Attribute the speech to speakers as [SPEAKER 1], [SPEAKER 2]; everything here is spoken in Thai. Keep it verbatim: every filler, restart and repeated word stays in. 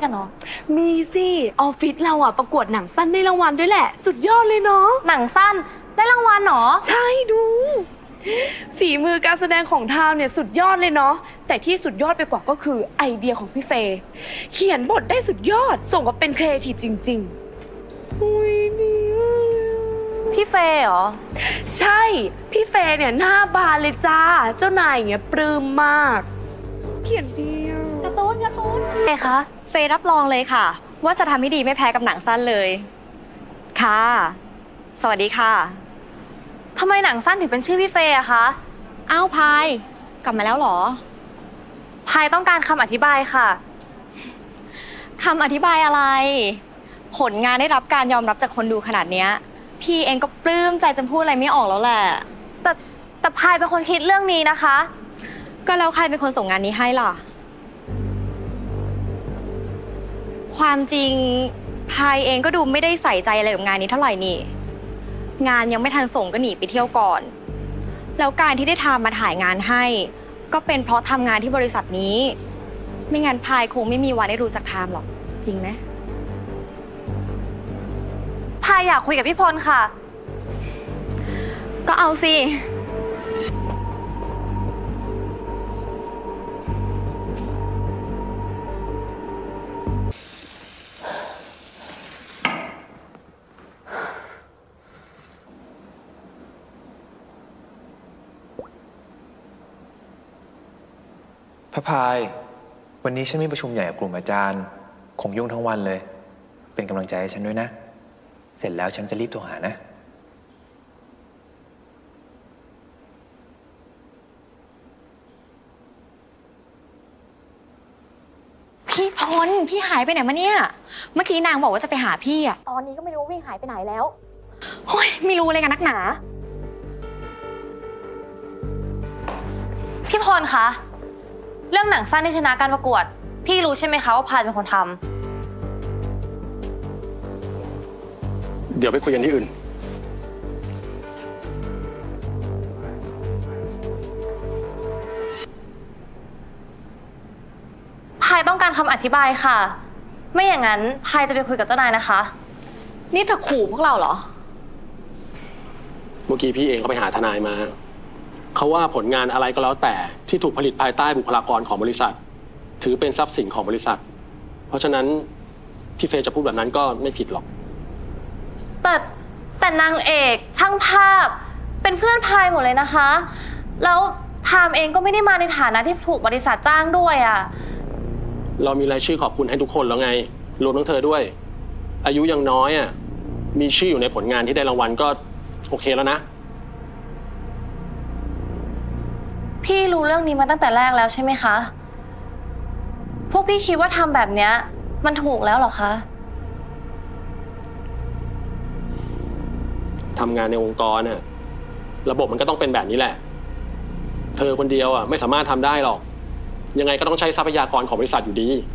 [SPEAKER 1] กันเนาะ
[SPEAKER 2] มีสิออฟฟิศเราอะประกวดหนังสั้นได้รางวัลด้วยแหละสุดยอดเลยเนาะ
[SPEAKER 1] หนังสั้นได้รางวัลเหรอ
[SPEAKER 2] ใช่ดูฝีมือการแสดงของทาวเนี่ยสุดยอดเลยเนาะแต่ที่สุดยอดไปกว่าก็คือไอเดียของพี่เฟย์เขียนบทได้สุดยอดส่งกับเป็นครีเอทีฟจริงๆอุ้ยดี
[SPEAKER 1] พี่เฟย์เหรอ
[SPEAKER 2] ใช่พี่เฟย์เนี่ยหน้าบานเลยจ้าเจ้านายอย่างเงี้ยปลื้มมากเขียนดี
[SPEAKER 1] การ์ตูนการ์ตูนไงคะ
[SPEAKER 3] เฟย์รับรองเลยค่ะว่าจะทำให้ดีไม่แพ้กับหนังสั้นเลยค่ะสวัสดีค่ะ
[SPEAKER 1] ทำไมหนังสั้นถึงเป็นชื่อพี่เฟย์อะคะ
[SPEAKER 3] อ้าวพายกลับมาแล้วเหรอ
[SPEAKER 1] พายต้องการคำอธิบายค่ะ
[SPEAKER 3] คำอธิบายอะไรผลงานได้รับการยอมรับจากคนดูขนาดเนี้ยพี่เองก็ปลื้มใจจนพูดอะไรไม่ออกแล้วแหละ
[SPEAKER 1] แต่แต่พายเป็นคนคิดเรื่องนี้นะคะ
[SPEAKER 3] ก็แล้วใครเป็นคนส่งงานนี้ให้ล่ะความจริงพายเองก็ดูไม่ได้ใส่ใจอะไรกับงานนี้เท่าไหร่นี่งานยังไม่ทันส่งก็หนีไปเที่ยวก่อนแล้วการที่ได้ทำมาถ่ายงานให้ก็เป็นเพราะทำงานที่บริษัทนี้ไม่งั้นพายคงไม่มีวันได้รู้จักไทม์หรอกจริงไหม
[SPEAKER 1] พายอยากคุยกับพี่พลค่ะ
[SPEAKER 3] ก็เอาสิ
[SPEAKER 4] พระพายวันนี้ฉันมีประชุมใหญ่กับกลุ่มอาจารย์คงยุ่งทั้งวันเลยเป็นกำลังใจให้ฉันด้วยนะเสร็จแล้วฉันจะรีบโทรหานะ
[SPEAKER 3] พี่พลพี่หายไปไหนมาเนี่ยเมื่อกี้นางบอกว่าจะไปหาพี่อะตอนนี้ก็ไม่รู้วิ่งหายไปไหนแล้วโอ้ยไม่รู้เลยกันนักหนา
[SPEAKER 1] พี่พลคะเรื่องหนังสั้นที่ชนะการประกวดพี่รู้ใช่ไหมคะว่าพายเป็นคนท
[SPEAKER 5] ำเดี๋ยวไปคุยกันที่อื่น
[SPEAKER 1] พายต้องการคำอธิบายค่ะไม่อย่างนั้นพายจะไปคุยกับเจ้านายนะคะ
[SPEAKER 3] นี่เธอขู่พวกเราเหรอ
[SPEAKER 5] เมื่อกี้พี่เองก็ไปหาทนายมาเขาว่าผลงานอะไรก็แล้วแต่ที่ถูกผลิตภายใต้บุคลากรของบริษัทถือเป็นทรัพย์สินของบริษัทเพราะฉะนั้นพี่เฟย์จะพูดแบบนั้นก็ไม่ผิดหรอก
[SPEAKER 1] แต่แต่นางเอกช่างภาพเป็นเพื่อนพายหมดเลยนะคะแล้วไทม์เองก็ไม่ได้มาในฐานะที่ถูกบริษัทจ้างด้วยอ่ะ
[SPEAKER 5] เรามีรายชื่อขอบคุณให้ทุกคนแล้วไงรวมทั้งเธอด้วยอายุยังน้อยอ่ะมีชื่ออยู่ในผลงานที่ได้รางวัลก็โอเคแล้วนะ
[SPEAKER 1] พี่รู้เรื่องนี้มาตั้งแต่แรกแล้วใช่ไหมคะพวกพี่คิดว่าทำแบบเนี้ยมันถูกแล้วหรอคะ
[SPEAKER 5] ทำงานในองค์กรน่ะระบบมันก็ต้องเป็นแบบนี้แหละเธอคนเดียวอ่ะไม่สามารถทำได้หรอกยังไงก็ต้องใช้ทรัพยากรของบริษัทอยู่ดี